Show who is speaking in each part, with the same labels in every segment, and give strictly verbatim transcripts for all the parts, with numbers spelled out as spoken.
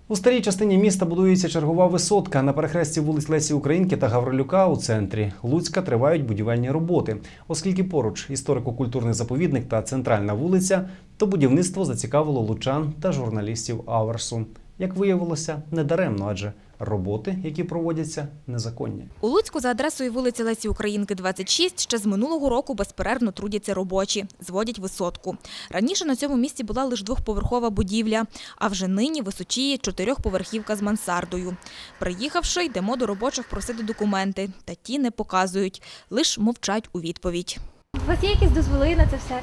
Speaker 1: У старій частині міста будується чергова висотка. На перехресті вулиць Лесі Українки та Гаврилюка у центрі Луцька тривають будівельні роботи. Оскільки поруч історико-культурний заповідник та центральна вулиця, то будівництво зацікавило лучан та журналістів Аверсу. Як виявилося, недаремно, адже роботи, які проводяться, незаконні.
Speaker 2: У Луцьку за адресою вулиці Лесі Українки, двадцять шість, ще з минулого року безперервно трудяться робочі, зводять висотку. Раніше на цьому місці була лише двохповерхова будівля, а вже нині височіє чотирьохповерхівка з мансардою. Приїхавши, йдемо до робочих просити документи, та ті не показують, лише мовчать у відповідь.
Speaker 3: У вас є якісь дозволи на це все?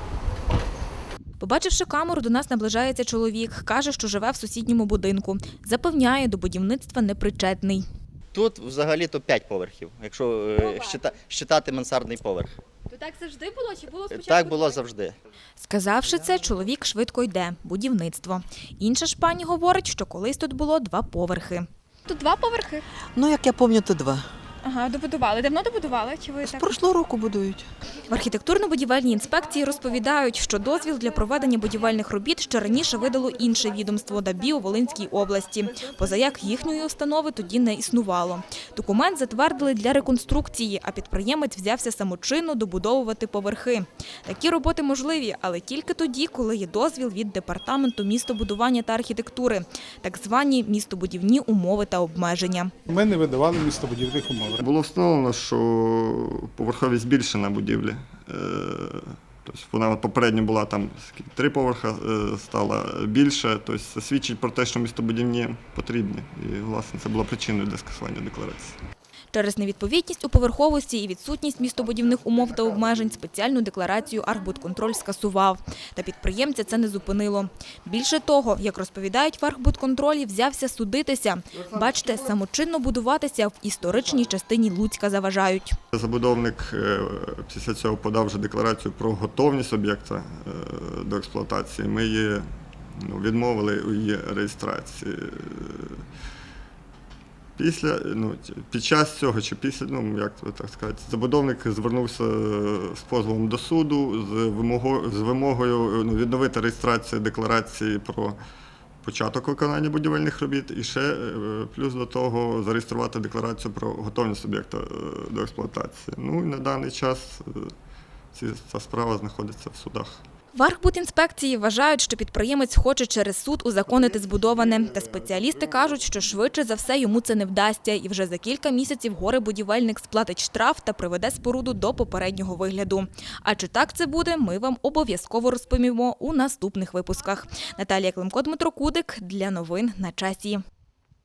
Speaker 2: Побачивши камеру, до нас наближається чоловік. Каже, що живе в сусідньому будинку. Запевняє, до будівництва непричетний.
Speaker 4: Тут взагалі-то п'ять поверхів, якщо е, щита, щитати мансардний поверх.
Speaker 3: То так завжди було чи було спочатку?
Speaker 4: Так було завжди.
Speaker 2: Сказавши це, чоловік швидко йде – будівництво. Інша ж пані говорить, що колись тут було два поверхи.
Speaker 3: Тут два поверхи?
Speaker 5: Ну, як я пам'ятаю, то два.
Speaker 3: Ага, добудували. Давно добудували? Чи ви
Speaker 5: З
Speaker 3: так?
Speaker 5: прошлого року будують.
Speaker 2: В архітектурно-будівельній інспекції розповідають, що дозвіл для проведення будівельних робіт ще раніше видало інше відомство ДАБІ у Волинській області. Позаяк їхньої установи тоді не існувало. Документ затвердили для реконструкції, а підприємець взявся самочинно добудовувати поверхи. Такі роботи можливі, але тільки тоді, коли є дозвіл від Департаменту містобудування та архітектури, так звані містобудівні умови та обмеження.
Speaker 6: Ми не видавали містобудівних умов.
Speaker 7: Було встановлено, що поверховість збільшена будівлі. Тобто вона попередньо була там три поверха, стала більше. Тобто це свідчить про те, що містобудівні потрібні. І, власне, це було причиною для скасування декларації.
Speaker 2: Через невідповідність у поверховості і відсутність містобудівних умов та обмежень спеціальну декларацію Архбудконтроль скасував. Та підприємця це не зупинило. Більше того, як розповідають в Архбудконтролі, взявся судитися. Бачите, самочинно будуватися в історичній частині Луцька заважають.
Speaker 7: Забудовник після цього подав вже декларацію про готовність об'єкта до експлуатації. Ми її ну, відмовили у її реєстрації. Після, ну, під час цього, чи після, ну, як так сказати, забудовник звернувся з позовом до суду з вимогою, з вимогою ну, відновити реєстрацію декларації про початок виконання будівельних робіт і ще плюс до того зареєструвати декларацію про готовність об'єкта до експлуатації. Ну і на даний час ця справа знаходиться в судах.
Speaker 2: В Архбудінспекції вважають, що підприємець хоче через суд узаконити збудоване. Та спеціалісти кажуть, що швидше за все йому це не вдасться. І вже за кілька місяців горе-будівельник сплатить штраф та приведе споруду до попереднього вигляду. А чи так це буде, ми вам обов'язково розповімо у наступних випусках. Наталія Климко, Дмитро Кудик. Для новин на часі.